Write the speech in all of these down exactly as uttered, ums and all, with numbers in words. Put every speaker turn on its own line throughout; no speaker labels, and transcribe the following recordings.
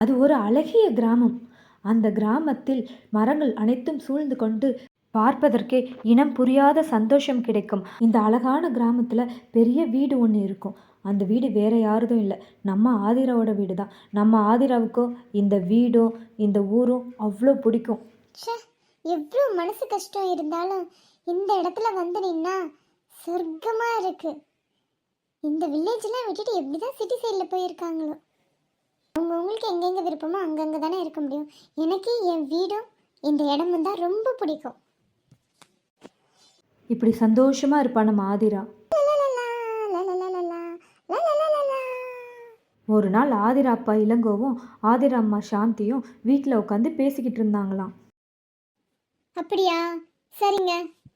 அது ஒரு அழகிய கிராமம். அந்த கிராமத்தில் மரங்கள் அனைத்தும் சூழ்ந்து கொண்டு பார்ப்பதற்கே இனம் புரியாத சந்தோஷம் கிடைக்கும். இந்த அழகான கிராமத்துல பெரிய வீடு ஒன்று இருக்கும். அந்த வீடு வேற யாருதும் இல்லை, நம்ம ஆதிராவோட வீடு தான். நம்ம ஆதிராவுக்கும் இந்த வீடும் இந்த ஊரும் அவ்வளோ பிடிக்கும்.
ச்சே, எவ்வளோ மனசு கஷ்டம் இருந்தாலும் இந்த இடத்துல வந்து நின்னா சொர்க்கமா இருக்கு. இந்த வில்லேஜ்லாம் விட்டுட்டு எப்படிதான் சிட்டி சைடில் போயிருக்காங்களோ. அவங்க உங்களுக்கு எங்கெங்க விருப்பமோ அங்கங்கே தானே இருக்க முடியும். எனக்கு என் வீடும் இந்த இடமும் தான் ரொம்ப பிடிக்கும்.
இப்படி சந்தோஷமா இருப்பா நம்ம ஆதிரா. ஒரு நாள் ஆதிரா அப்பா இளங்கோவும் ஆதிரா அம்மா சாந்தியும் வீட்டில் உட்காந்து பேசிக்கிட்டு இருந்தாங்களாம்.
அப்படியா, சரிங்க.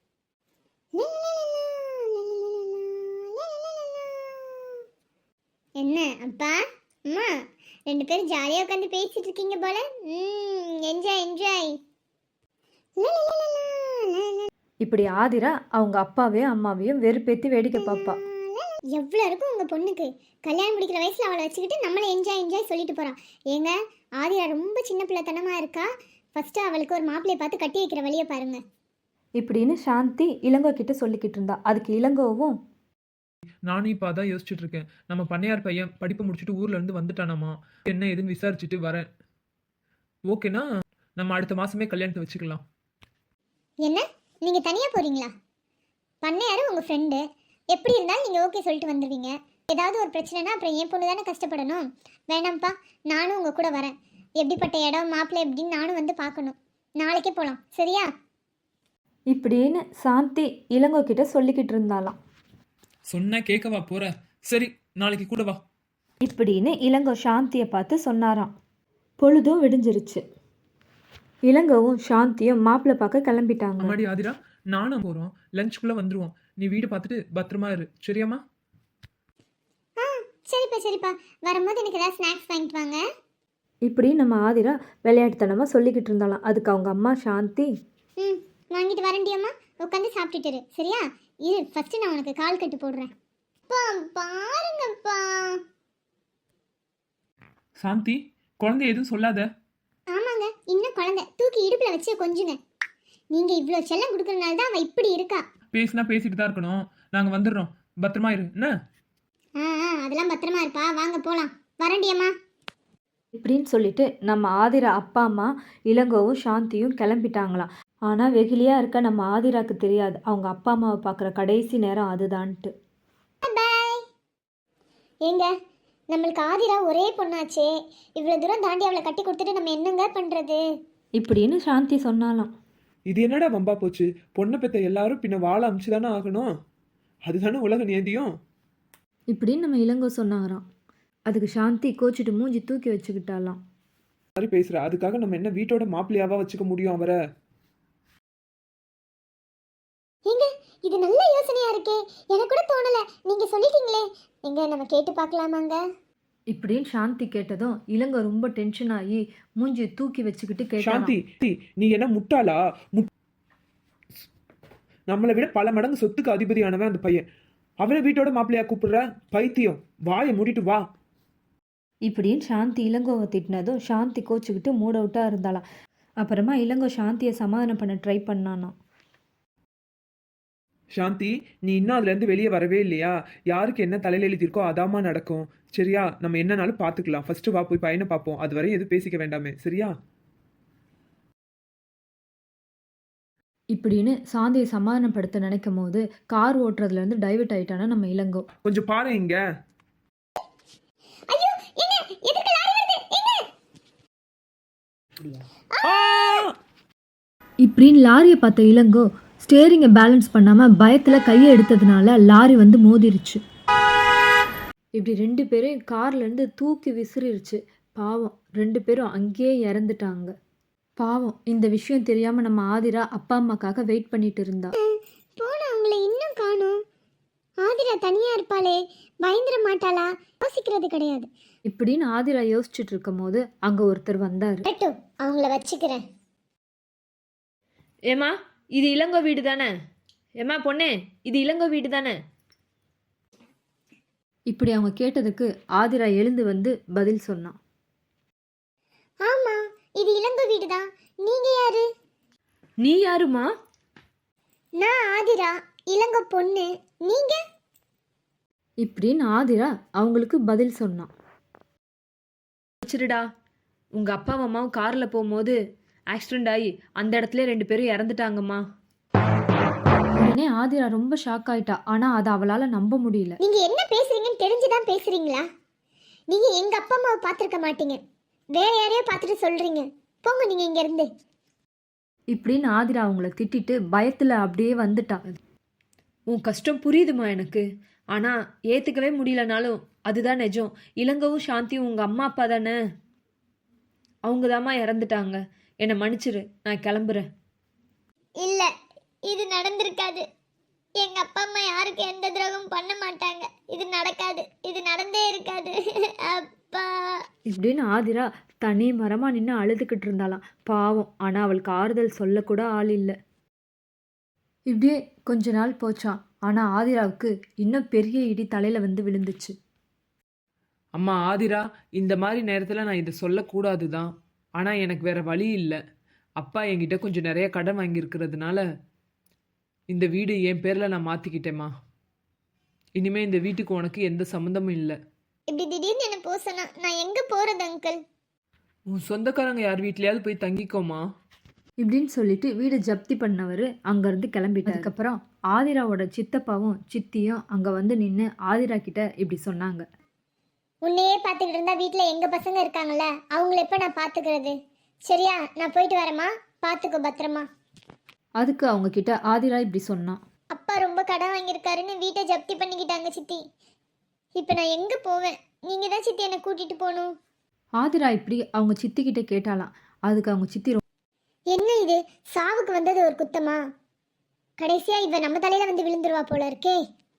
என்ன அப்பா அம்மா ரெண்டு பேரும் ஜாலியாக உட்காந்து பேசிட்டு இருக்கீங்க போல. ம் என்ஜாய் என்ஜாய்.
இப்படி ஆதிரா அவங்க அப்பாவையும் அம்மாவையும் வெறுப்பேத்தி வேடிக்கை பார்ப்பா.
எவ்வளோ இருக்கும் உங்கள் பொண்ணுக்கு, கல்யாணம் முடிக்கிற வயசில் அவளை வச்சுக்கிட்டு நம்மளை என்ஜாய் என்ஜாய் சொல்லிட்டு போகிறான். ஏங்க ஆதிரா ரொம்ப சின்ன பிள்ளைத்தனமாக இருக்கா. ஃபஸ்ட்டு அவளுக்கு ஒரு மாப்பிள்ளையை பார்த்து கட்டி வைக்கிற வழியை பாருங்க.
இப்படின்னு சாந்தி இளங்கோ கிட்ட சொல்லிக்கிட்டு இருந்தா. அதுக்கு இளங்கோவும்,
நானும் இப்போ அதான் யோசிச்சுட்டு இருக்கேன். நம்ம பண்ணையார் பையன் படிப்பு முடிச்சுட்டு ஊர்ல இருந்து வந்துட்டானாமா, என்ன ஏதுன்னு விசாரிச்சுட்டு வரேன். ஓகேனா நம்ம அடுத்த மாசமே கல்யாணத்தை வச்சுக்கலாம்.
என்ன நீங்கள் தனியாக போகிறீங்களா? பண்ணையாரு உங்கள் ஃப்ரெண்டு, எப்படி இருந்தாலும் நீங்கள் ஓகே சொல்லிட்டு வந்துடுவீங்க. ஏதாவது ஒரு பிரச்சனைனா அப்புறம் என் பொண்ணு தானே கஷ்டப்படணும். வேணாம்ப்பா, நானும் உங்கள் கூட வரேன். எப்படிப்பட்ட இடம் மாப்பிள்ளை எப்படின்னு நானும் வந்து பார்க்கணும். நாளைக்கே போகலாம், சரியா?
இப்படின்னு சாந்தி இளங்கோ கிட்ட சொல்லிக்கிட்டு இருந்தாலாம்.
சொன்ன கேட்கவா போற? சரி, நாளைக்கு கூட வா.
இப்படின்னு இளங்கோ சாந்தியை பார்த்து சொன்னாராம். பொழுதும் விடிஞ்சிருச்சு. இளங்கோவும் சாந்தியும் மாப்பிள்ளை பார்க்க கிளம்பிட்டாங்க.
அம்மாடி ஆதிரா, நானும் போறோம். லஞ்சுக்குள்ள வந்துருவோம். நீ வீடு பார்த்துட்டு பத்திரமா இரு, சரியாம்மா?
ஆ சரிப்பா சரிப்பா, வரும்போது எனக்கு ஏதாவது ஸ்நாக்ஸ் வாங்கிட்டு வாங்க.
இப்படி நம்ம ஆதிரா விளையாட்டுத்தனமாக சொல்லிக்கிட்டு இருந்தாலாம். அதுக்கு அவங்க அம்மா சாந்தி,
ம் வாங்கிட்டு வரண்டியம்மா, உட்காந்து சாப்பிட்டுட்டு இரு, சரியா? இரு ஃபஸ்ட்டு நான் உனக்கு கால் கட்டு போடுறேன். அப்பா பாருங்கப்பா.
சாந்தி, குழந்தை எதுவும் சொல்லாத.
ஆமாங்க, இன்னும் குழந்தை தூக்கி இடுப்பில் வச்சு கொஞ்சுங்க. நீங்கள் இவ்வளோ செல்லம் கொடுக்கறதுனால தான் அவள் இப்படி இருக்கா.
பேசினா பேசிட்டு தான் இருக்கணும். நாங்க வந்துடுறோம், பத்திரமா இரு என்ன?
ஆ ஆ அதெல்லாம் பத்திரமா இருப்பா, வாங்க போகலாம். வரண்டியம்மா.
இப்படின்னு சொல்லிட்டு நம்ம ஆதிரா அப்பா அம்மா இளங்கோவும் சாந்தியும் கிளம்பிட்டாங்களாம். ஆனால் வெகுலியாக இருக்க நம்ம ஆதிராக்கு தெரியாது அவங்க அப்பா அம்மாவை பார்க்குற கடைசி நேரம் அதுதான்ட்டு.
பாய். ஏங்க நம்மளுக்கு ஆதிரா ஒரே பொண்ணாச்சே, இவ்வளோ தூரம் தாண்டி அவளை கட்டி கொடுத்துட்டு நம்ம என்னங்க பண்ணுறது?
இப்படின்னு சாந்தி சொன்னாலாம்.
இது என்னடா வம்பா போச்சு? பொண்ணை பெற்ற எல்லாரும் பின்ன வாழ அமிச்சுதானே ஆகணும். அதுதானே உலக நியதியும்.
இப்படின்னு நம்ம இளங்கோ சொன்னாராம். அதுக்கு சாந்தி கோச்சிட்டு மூஞ்சி தூக்கி வச்சுக்கிட்டாலாம்.
மாதிரி பேசுற, அதுக்காக நம்ம என்ன வீட்டோட மாப்பிள்ளையாவா வச்சுக்க முடியும் அவரை?
ஏங்க இது நல்ல யோசனையா இருக்கே, எனக்கு கூட தோணல, நீங்க சொல்லிட்டீங்களே. எங்க நம்ம கேட்டு பார்க்கலாமாங்க?
இப்படின்னு சாந்தி கேட்டதும் இளங்கோ ரொம்ப டென்ஷன் ஆகி மூஞ்சி தூக்கி வச்சுக்கிட்டு கேட்டான்.
சாந்தி, நீ என்ன முட்டாளா? நம்மளை விட பல மடங்கு சொத்துக்கு அதிபதியானவன் அந்த பையன். அவனை வீட்டோட மாப்பிள்ளையா கூப்பிடுற? பைத்தியம், வாயை மூடிட்டு வா.
இப்படின்னு சாந்தி இளங்கோவை திட்டினதும் சாந்தி கோச்சுக்கிட்டு மூட் அவுட்டாக இருந்தாலாம். அப்புறமா இளங்கோ சாந்தியை சமாதானம் பண்ண ட்ரை பண்ணானா.
சாந்தி, நீ இன்னும் அதுல இருந்து வெளியே வரவே இல்லையா? யாருக்கு என்ன தலையில எழுதியிருக்கோ அதாமா நடக்கும், சரியா? நம்ம என்னன்னாலும் பாத்துக்கலாம். ஃபர்ஸ்ட் வா, போய் பையனை பார்ப்போம். அது வரையும் எதுவும் பேசிக்க வேண்டாமே, சரியா?
இப்படின்னு சாந்தியை சமாதானப்படுத்த நினைக்கும் போது கார் ஓட்டுறதுல இருந்து டைவர்ட் ஆயிட்டானா நம்ம இளங்கோ.
கொஞ்சம் பாரு இங்க.
ஐயோ என்ன, எதுக்கு லாரி வருது? எங்க?
இப்படின்னு லாரியை பார்த்த இளங்கோ ஸ்டேரிங்கை பேலன்ஸ் பண்ணாமல் பயத்தில் கையை எடுத்ததுனால லாரி வந்து மோதிருச்சு. இப்படி ரெண்டு பேரையும் கார்லேருந்து தூக்கி விசிறிருச்சு. பாவம், ரெண்டு பேரும் அங்கேயே இறந்துட்டாங்க. பாவம், இந்த விஷயம் தெரியாமல் நம்ம ஆதிரா அப்பா அம்மாக்காக வெயிட் பண்ணிட்டு இருந்தா.
போன அவங்கள இன்னும் காணோம். ஆதிரா தனியா இருப்பாளே, பயந்துட மாட்டாளா? யோசிக்கிறது கிடையாது.
இப்படின்னு ஆதிரா யோசிச்சுட்டு இருக்கும் போது அங்கே ஒருத்தர் வந்தார்.
அவங்கள வச்சுக்கிறேன்.
ஏமா, இது இளங்கோ வீடு தானே? ஏமா பொண்ணே, இது இளங்கோ வீடு தானே? இப்படி அவங்க கேட்டதுக்கு ஆதிரா எழுந்து வந்து பதில் சொன்னான்.
வீடு தான். நீங்க யாரு?
நீ யாருமா?
நான் ஆதிரா, இளங்க பொண்ணு. நீங்க?
இப்படின்னு ஆதிரா அவங்களுக்கு பதில் சொன்னான்.
வச்சிருடா, உங்கள் அப்பா அம்மாவும் காரில் போகும்போது ஆக்சிடெண்ட் ஆகி அந்த இடத்துல ரெண்டு பேரும் இறந்துட்டாங்கம்மா.
உடனே ஆதிரா ரொம்ப ஷாக் ஆயிட்டா. ஆனா அதை அவளால நம்ப முடியல.
நீங்க என்ன பேசுறீங்கன்னு தெரிஞ்சுதான் பேசுறீங்களா? நீங்க எங்க அப்பா அம்மாவை பார்த்துருக்க மாட்டீங்க, வேற யாரையோ பார்த்துட்டு சொல்றீங்க. போங்க நீங்க இங்க இருந்து.
இப்படின்னு ஆதிரா அவங்கள திட்டிட்டு பயத்துல அப்படியே வந்துட்டா.
உன் கஷ்டம் புரியுதுமா எனக்கு, ஆனால் ஏற்றுக்கவே முடியலனாலும் அதுதான் நிஜம். இளங்கவும் சாந்தியும் உங்கள் அம்மா அப்பா தானே, அவங்க தாம்மா இறந்துட்டாங்க. என்னை மன்னிச்சிரு, நான் கிளம்புறேன்.
இல்ல, இது நடந்திருக்காது. எங்க அப்பா அம்மா யாருக்கு எந்த துரோகமும் பண்ண மாட்டாங்க. இது நடக்காது, இது நடந்தே இருக்காது. அப்பா.
இப்படின்னு ஆதிரா தனி மரமா நின்று அழுதுகிட்டு இருந்தாளாம். பாவம். ஆனா அவளுக்கு ஆறுதல் சொல்லக்கூட ஆள் இல்லை. இப்படியே கொஞ்ச நாள் போச்சான். ஆனா ஆதிராவுக்கு இன்னும் பெரிய இடி தலையில வந்து விழுந்துச்சு.
அம்மா ஆதிரா, இந்த மாதிரி நேரத்தில் நான் இதை சொல்லக்கூடாது தான், ஆனால் எனக்கு வேற வழி இல்லை. அப்பா என்கிட்ட கொஞ்சம் நிறைய கடன் வாங்கியிருக்கிறதுனால இந்த வீடு என் பேரில் நான் மாற்றிக்கிட்டேம்மா. இனிமேல் இந்த வீட்டுக்கு உனக்கு எந்த சம்மந்தமும் இல்லை.
இப்படி திடீர்னு என்ன போக சொன்னா நான் எங்க போறது அங்கிள்?
உன் சொந்தக்காரங்க யார் வீட்லையாவது போய் தங்கிக்கோமா.
இப்படின்னு சொல்லிட்டு வீடு ஜப்தி பண்ணவர் அங்கேருந்து கிளம்பிட்டார். அதுக்கப்புறம் ஆதிராவோட சித்தப்பாவும் சித்தியும் அங்கே வந்து நின்று ஆதிரா கிட்ட இப்படி சொன்னாங்க.
உன்னையே பார்த்துக்கிட்டு இருந்தா வீட்டில் எங்க பசங்க இருக்காங்கல்ல, அவங்கள எப்போ நான் பார்த்துக்கிறது? சரியா, நான் போயிட்டு வரேம்மா, பார்த்துக்கோ பத்திரமா.
அதுக்கு அவங்க கிட்ட ஆதிரா இப்படி சொன்னான்.
அப்பா ரொம்ப கடன் வாங்கியிருக்காருன்னு வீட்டை ஜப்தி பண்ணிக்கிட்டாங்க சித்தி. இப்போ நான் எங்கே போவேன்? நீங்கள் தான் சித்தி என்னை கூட்டிகிட்டு போகணும்.
ஆதிரா இப்படி அவங்க சித்தி கிட்ட கேட்டாலாம். அதுக்கு அவங்க சித்தி,
என்ன இது, சாவுக்கு வந்தது ஒரு குத்தமா? கடைசியா இவ நம்ம தலையில வந்து விழுந்துருவா போல இருக்கே.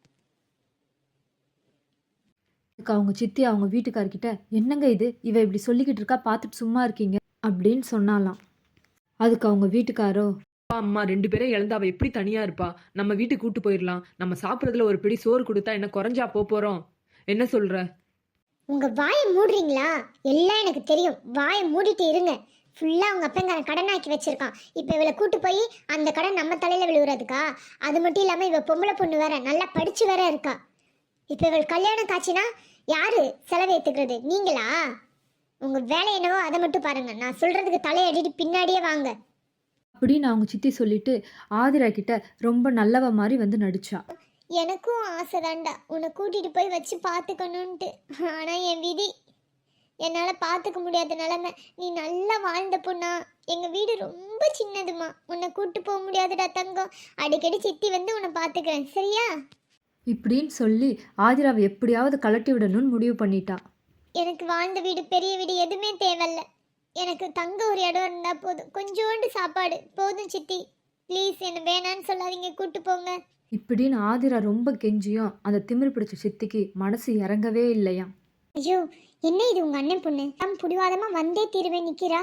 அதுக்கு அவங்க சித்தி அவங்க வீட்டுக்காரர்கிட்ட, என்னங்க இது, இவ இப்படி சொல்லிக்கிட்டு இருக்கா, பார்த்துட்டு சும்மா இருக்கீங்க அப்படின்னு சொன்னாலாம். அதுக்கு அவங்க வீட்டுக்காரோ,
அப்பா அம்மா ரெண்டு பேரும் இழந்து அவள் எப்படி தனியாக இருப்பா, நம்ம வீட்டுக்கு கூட்டு போயிடலாம். நம்ம சாப்பிட்றதுல ஒரு பிடி சோறு கொடுத்தா என்ன குறைஞ்சா போகிறோம்? என்ன சொல்கிற?
உங்க வாயை மூடுறீங்களா? எல்லாம் எனக்கு தெரியும், வாயை மூடிட்டு இருங்க. ஃபுல்லாக அவங்க அப்பங்காரன் கடனாக்கி வச்சிருக்கான். இப்போ இவளை கூட்டு போய் அந்த கடன் நம்ம தலையில் விழுவுறதுக்கா? அது மட்டும் இல்லாமல் இவள் பொம்பளை பொண்ணு வேற, நல்லா படிச்சு வேற இருக்கா. இப்போ இவள் கல்யாணம் காட்சினா யாரு செலவு ஏற்றுக்கிறது? நீங்களா? உங்கள் வேலை என்னவோ அதை மட்டும் பாருங்க. நான் சொல்கிறதுக்கு தலையடிட்டு பின்னாடியே வாங்க
அப்படின்னு அவங்க சித்தி சொல்லிட்டு ஆதிரா கிட்ட ரொம்ப நல்லவ மாதிரி வந்து நடிச்சா.
எனக்கும் ஆசை தாண்டா உன்னை கூட்டிகிட்டு போய் வச்சு பார்த்துக்கணுன்ட்டு. ஆனால் என் விதி, என்னால் பார்த்துக்க முடியாத நிலமை. நீ நல்லா வாழ்ந்த பொண்ணா. எங்கள் வீடு ரொம்ப சின்னதுமா, உன்னை கூட்டு போக முடியாதுடா தங்கம். அடிக்கடி சித்தி வந்து உன்னை பார்த்துக்கிறேன், சரியா?
இப்படின்னு சொல்லி ஆதிராவை எப்படியாவது கலட்டி விடணும்னு முடிவு பண்ணிட்டா.
எனக்கு வாழ்ந்த வீடு பெரிய வீடு எதுவுமே தேவையில்ல. எனக்கு தங்க ஒரு இடம் இருந்தால் போதும், கொஞ்சோண்டு சாப்பாடு போதும் சித்தி. ப்ளீஸ் என்னை வேணான்னு சொல்லாதீங்க, கூட்டு போங்க.
இப்படின்னு ஆதிரா ரொம்ப கெஞ்சியும் அந்த திமிரு பிடிச்ச சித்திக்கு மனசு இறங்கவே இல்லையாம்.
ஐயோ, என்ன இது உங்கள் அண்ணன் பொண்ணு தம் புடிவாதமாக வந்தே தீருவேன் நிற்கிறா.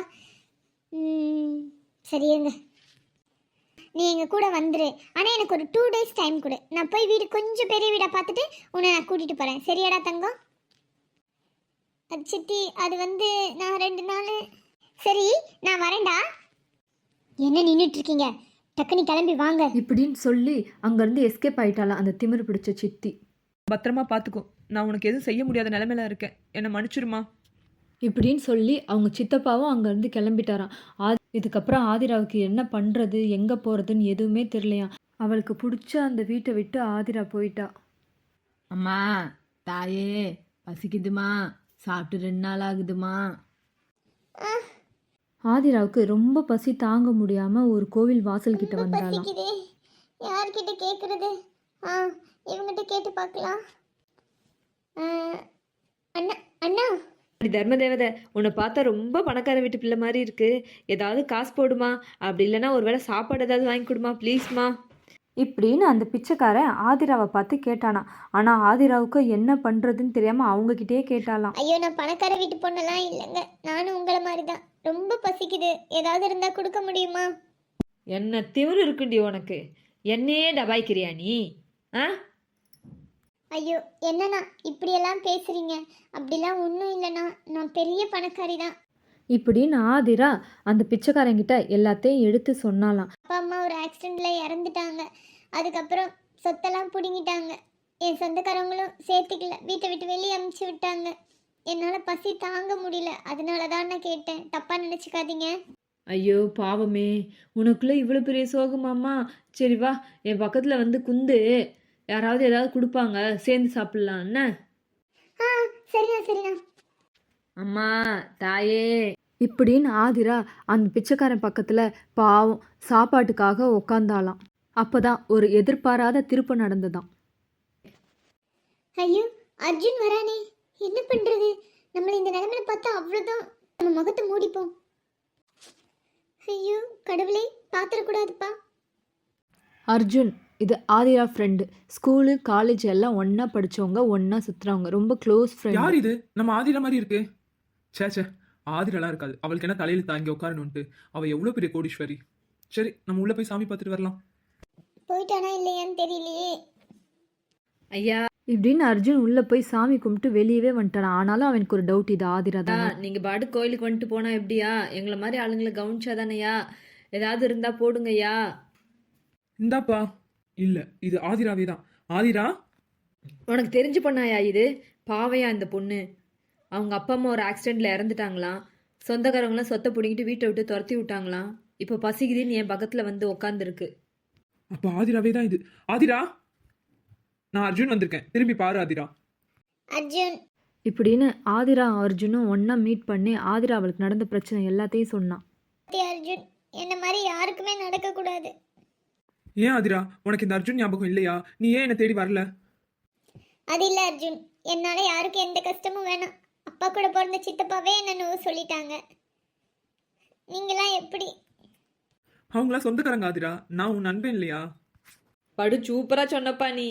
சரிங்க, நீ எங்கள் கூட வந்துரு. ஆனால் எனக்கு ஒரு டூ டேஸ் டைம் கொடு. நான் போய் வீடு கொஞ்சம் பெரிய வீடாக பார்த்துட்டு உன்னை நான் கூட்டிகிட்டு போகிறேன், சரியாடா தங்கம்? அது சித்தி, அது வந்து நான் ரெண்டு நாள். சரி, நான் வரேன்டா. என்ன நின்றுட்டு இருக்கீங்க? டக்குனு கிளம்பி வாங்க.
இப்படின்னு சொல்லி அங்கேருந்து எஸ்கேப் ஆயிட்டாலாம் அந்த திமிரு பிடிச்ச சித்தி.
பத்திரமா பார்த்துக்கோ, நான் உனக்கு எதுவும் செய்ய முடியாத நிலைமையில இருக்கேன், என்னை மன்னிச்சிருமா.
இப்படின்னு சொல்லி அவங்க சித்தப்பாவும் அங்கேருந்து கிளம்பிட்டாராம். ஆதி இதுக்கப்புறம் ஆதிராவுக்கு என்ன பண்ணுறது, எங்கே போகிறதுன்னு எதுவுமே தெரியலையாம். அவளுக்கு பிடிச்ச அந்த வீட்டை விட்டு ஆதிரா போயிட்டா.
அம்மா, தாயே, பசிக்குதுமா, சாப்பிட்டு ரெண்டு நாள் ஆகுதுமா.
ஆதிராவுக்கு ரொம்ப பசி தாங்க முடியாமல் ஒரு கோவில் வாசல் கிட்ட வந்தாலாம்.
பசிக்குதே, யார்கிட்ட கேட்குறது? ஆ, இவங்கிட்ட கேட்டு பார்க்கலாம். ஆ, அண்ணா அண்ணா
அப்படி தர்ம தேவதை, உன்னை பார்த்தா ரொம்ப பணக்கார வீட்டு பிள்ளை மாதிரி இருக்கு. ஏதாவது காசு போடுமா, அப்படி இல்லைன்னா ஒரு வேளை சாப்பாடு ஏதாவது வாங்கி கொடுமா ப்ளீஸ்மா.
இப்படின்னு அந்த பிச்சைக்காரன் ஆதிராவை பார்த்து கேட்டானா. ஆனால் ஆதிராவுக்கு என்ன பண்ணுறதுன்னு தெரியாமல் அவங்கக்கிட்டே கேட்டாலாம்.
ஐயோ, நான் பணக்கார வீட்டு பொண்ணெல்லாம் இல்லைங்க, நானும் உங்களை மாதிரி தான். ரொம்ப பசிக்குது, ஏதாவது இருந்தால் கொடுக்க முடியுமா?
என்ன திமிரு இருக்குண்டி உனக்கு, என்னையே டபாய்க்கிறியா நீ? ஆ,
ஐயோ, என்னண்ணா இப்படியெல்லாம் பேசுறீங்க? அப்படிலாம் ஒன்றும் இல்லைண்ணா, நான் பெரிய பணக்காரி தான்.
இப்படின்னு ஆதிரா அந்த பிச்சைக்காரங்கிட்ட எல்லாத்தையும் எடுத்து சொன்னாலாம்.
அப்பா அம்மா ஒரு ஆக்சிடெண்ட்டில் இறந்துட்டாங்க. அதுக்கப்புறம் சொத்தெல்லாம் பிடுங்கிட்டாங்க. என் சொந்தக்காரங்களும் சேர்த்துக்கல, வீட்டை விட்டு வெளியே அமுச்சு விட்டாங்க. என்னால் பசி தாங்க முடியல, அதனால தான் நான் கேட்டேன், தப்பாக நினச்சிக்காதீங்க.
ஐயோ பாவமே, உனக்குள்ள இவ்வளோ பெரிய சோகமாம்மா. சரி வா, என் பக்கத்தில் வந்து குந்து, யாராவது ஏதாவது கொடுப்பாங்க, சேர்ந்து சாப்பிட்லாம் என்ன?
ஆ சரிண்ணா சரிண்ணா.
அம்மா தாயே.
இப்படின்னு ஆதிரா அந்த பிச்சைக்காரன் பக்கத்தில் பாவம் சாப்பாட்டுக்காக உக்காந்தாலாம். அப்போதான் ஒரு எதிர்பாராத திருப்பு நடந்ததாம்.
ஐயோ அர்ஜுன் வரானே, என்ன பண்ணுறது? நம்மளை இந்த நிலமையில பார்த்தா அவ்வளோதான், நம்ம முகத்தை மூடிப்போம். ஐயோ கடவுளே, பார்த்துடக்கூடாதுப்பா.
அர்ஜுன் இது ஆதிரா ஃப்ரெண்டு. ஸ்கூலு காலேஜ் எல்லாம் ஒன்றா படித்தவங்க, ஒன்றா சுற்றுறவங்க, ரொம்ப க்ளோஸ்
யார்
ஃப்ரெண்ட்.
இது? நம்ம ஆதிரா மாதிரி இருக்கு. சே சே, ஆதிரெல்லாம் இருக்காது. அவளுக்கு என்ன தலையில தாங்கி உட்காரணுன்ட்டு. அவள் எவ்வளோ பெரிய கோடீஸ்வரி. சரி, நம்ம உள்ளே போய் சாமி பார்த்துட்டு வரலாம்.
போயிட்டானா இல்லையான்னு தெரியலையே.
ஐயா
இப்படின்னு அர்ஜுன் உள்ளே போய் சாமி கும்பிட்டு வெளியவே வந்துட்டான். ஆனாலும் அவனுக்கு ஒரு டவுட், இது ஆதிரா தான்.
நீங்கள் பாட்டு கோயிலுக்கு வந்துட்டு போனால் எப்படியா? எங்களை மாதிரி ஆளுங்களை கவனிச்சா தானேயா? ஏதாவது இருந்தால் போடுங்கய்யா.
இந்தாப்பா. இல்ல, இது ஆதிராவே தான். ஆதிரா,
உனக்கு தெரிஞ்சு பண்ணாயா இது? பாவையா இந்த பொண்ணு. அவங்க அப்பா அம்மா ஒரு ஆக்சிடெண்ட்டில் இறந்துட்டாங்களாம். சொந்தக்காரங்களாம் சொத்தை பிடிங்கிட்டு வீட்டை விட்டு துரத்தி விட்டாங்களாம். இப்போ பசிக்குதுன்னு என் பக்கத்தில் வந்து உக்காந்துருக்கு.
அப்ப ஆதிராவே தான் இது. ஆதிரா, நான் அர்ஜுன் வந்திருக்கேன், திரும்பி பாரு ஆதிரா.
அர்ஜுன்
இப்படின்னு ஆதிரா அர்ஜுனும் ஒன்றா மீட் பண்ணி ஆதிரா அவளுக்கு நடந்த பிரச்சனை எல்லாத்தையும் சொன்னான்.
அர்ஜுன், என்ன மாதிரி யாருக்குமே நடக்கக்கூடாது.
ஏன் ஆதிரா, உனக்கு இந்த அர்ஜுன் ஞாபகம் இல்லையா? நீ ஏன் என்னை தேடி வரல?
அது இல்லை அர்ஜுன், என்னால் யாருக்கும் எந்த கஷ்டமும் வேணாம். அப்பா கூட பிறந்த சித்தப்பாவே என்ன நோவு சொல்லிட்டாங்க. நீங்களாம் எப்படி?
அவங்களாம் சொந்தக்காரங்க ஆதிரா, நான் உன் நண்பன் இல்லையா?
படு சூப்பராக சொன்னப்பா நீ.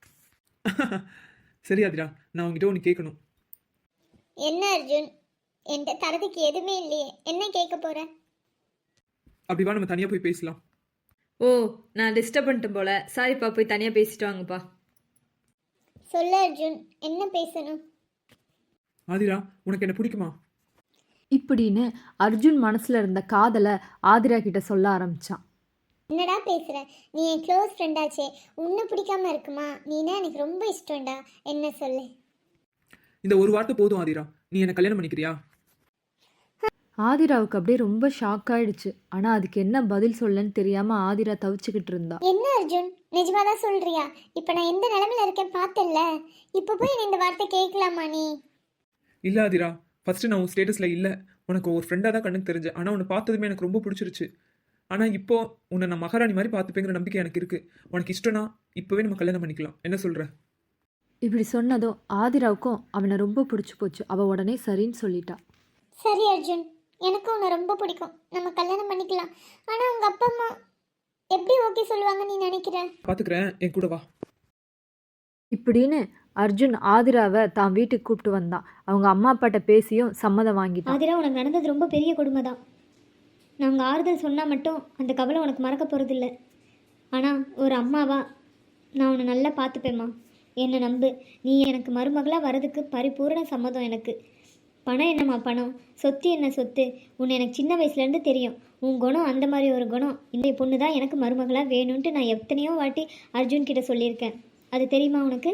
சரி ஆதிரா, நான் உங்ககிட்ட ஒன்று கேட்கணும்.
என்ன அர்ஜுன்? என்கிட்ட தரதுக்கு எதுவுமே இல்லையே, என்ன கேட்க போகிறேன்?
அப்படி வா, நம்ம தனியாக போய் பேசலாம்.
ஓ, நான் டிஸ்டர்ப் பண்ணிட்டேன் போல. சாரிப்பா, போய் தனியாக பேசிட்டு வாங்கப்பா.
சொல்லு அர்ஜுன், என்ன பேசணும்?
ஆதிரா, உனக்கு என்ன பிடிக்குமா?
இப்படின்னு அர்ஜுன் மனசில் இருந்த காதலை ஆதிரா கிட்ட சொல்ல ஆரம்பிச்சான்.
என்னடா பேசுகிற? நீ என் க்ளோஸ் ஃப்ரெண்டாச்சே, உன்னை பிடிக்காம இருக்குமா? நீனா எனக்கு ரொம்ப இஷ்டம்டா, என்ன சொல்லு.
இந்த ஒரு வார்த்தை போதும் ஆதிரா. நீ என்ன கல்யாணம் பண்ணிக்கிறியா?
ஆதிராவுக்கு அப்படியே ரொம்ப ஷாக் ஆயிடுச்சு. ஆனால் அதுக்கு என்ன பதில் சொல்லன்னு தெரியாமல் ஆதிரா தவிச்சுக்கிட்டு இருந்தா.
என்ன அர்ஜுன், நிஜமா தான் சொல்றியா? இப்போ நான் எந்த நிலமையில இருக்கேன் பார்த்தல்ல, இப்போ போய் நீ இந்த வார்த்தை கேட்கலாமா நீ?
இல்லை ஆதிரா, ஃபர்ஸ்ட் நான் உன் ஸ்டேட்டஸில் இல்லை, உனக்கு ஒரு ஃப்ரெண்டாக தான் கண்ணுக்கு தெரிஞ்சேன். ஆனால் உன்னை பார்த்ததுமே எனக்கு ரொம்ப பிடிச்சிருச்சு. ஆனால் இப்போ உன்னை நான் மகாராணி மாதிரி பார்த்துப்பேங்கிற நம்பிக்கை எனக்கு இருக்குது. உனக்கு இஷ்டம்னா இப்போவே நம்ம கல்யாணம் பண்ணிக்கலாம், என்ன சொல்கிற?
இப்படி சொன்னதும் ஆதிராவுக்கும் அவனை ரொம்ப பிடிச்சி போச்சு. அவள் உடனே சரின்னு சொல்லிட்டா.
சரி அர்ஜுன், எனக்கும் உன்னை ரொம்ப பிடிக்கும், நம்ம கல்யாணம் பண்ணிக்கலாம். ஆனால் உங்கள் அப்பா அம்மா எப்படி ஓகே சொல்லுவாங்க நீ நினைக்கிற?
பார்த்துக்கிறேன், என் கூட வா.
இப்படின்னு அர்ஜுன் ஆதிராவை தான் வீட்டுக்கு கூப்பிட்டு வந்தான். அவங்க அம்மா அப்பாட்ட பேசியும் சம்மதம் வாங்கிட்டான்.
ஆதிரா, உனக்கு நடந்தது ரொம்ப பெரிய கொடுமை தான். நாங்கள் ஆறுதல் சொன்னால் மட்டும் அந்த கவலை உனக்கு மறக்க போகிறதில்ல. ஆனால் ஒரு அம்மாவா நான் உன்னை நல்லா பார்த்துப்பேம்மா, என்னை நம்பு. நீ எனக்கு மருமகளாக வர்றதுக்கு பரிபூர்ண சம்மதம் எனக்கு. பணம் என்னம்மா பணம், சொத்து என்ன சொத்து, உன்னை எனக்கு சின்ன வயசுலேருந்து தெரியும். உன் குணம் அந்த மாதிரி ஒரு குணம். இந்த பொண்ணு தான் எனக்கு மருமகளாக வேணும்ன்ட்டு நான் எத்தனையோ வாட்டி அர்ஜுன் கிட்ட சொல்லியிருக்கேன். அது தெரியுமா உனக்கு?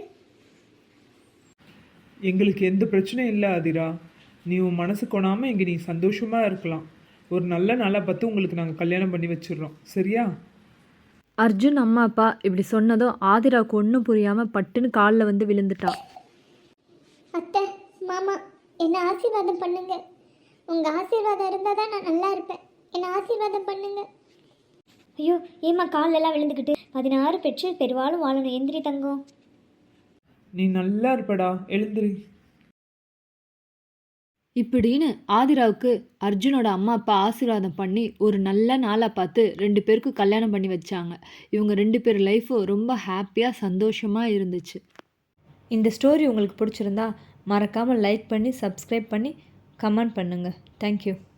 எங்களுக்கு எந்த பிரச்சனையும் இல்லை ஆதிரா. நீ உன் மனசு கொணாமல் இங்கே நீ சந்தோஷமாக இருக்கலாம். ஒரு நல்ல நாளாக பார்த்து உங்களுக்கு நாங்கள் கல்யாணம் பண்ணி வச்சிடுறோம், சரியா?
அர்ஜுன் அம்மா அப்பா இப்படி சொன்னதும் ஆதிராவுக்கு ஒன்றும் புரியாமல் பட்டுன்னு காலில் வந்து விழுந்துட்டா.
அத்தை, மாமா, என்னை ஆசீர்வாதம் பண்ணுங்க. உங்கள் ஆசீர்வாதம் இருந்தால் தான் நான் நல்லா இருப்பேன். என்னை ஆசீர்வாதம் பண்ணுங்க. ஐயோ, ஏம்மா காலெல்லாம் விழுந்துக்கிட்டு? பதினாறு பெற்று பெருவாளும் வாழணும். எந்திரி தங்கம்.
நீ நல்லா இருப்படா, எழுந்திரி.
இப்படின்னு ஆதிராவுக்கு அர்ஜுனோட அம்மா அப்பா ஆசீர்வாதம் பண்ணி ஒரு நல்ல நாளாக பார்த்து ரெண்டு பேருக்கும் கல்யாணம் பண்ணி வச்சாங்க. இவங்க ரெண்டு பேர் லைஃப்பும் ரொம்ப ஹாப்பியாக சந்தோஷமாக இருந்துச்சு. இந்த ஸ்டோரி உங்களுக்கு பிடிச்சிருந்தா மறக்காமல் லைக் பண்ணி சப்ஸ்கிரைப் பண்ணி கமெண்ட் பண்ணுங்கள். தேங்க்யூ.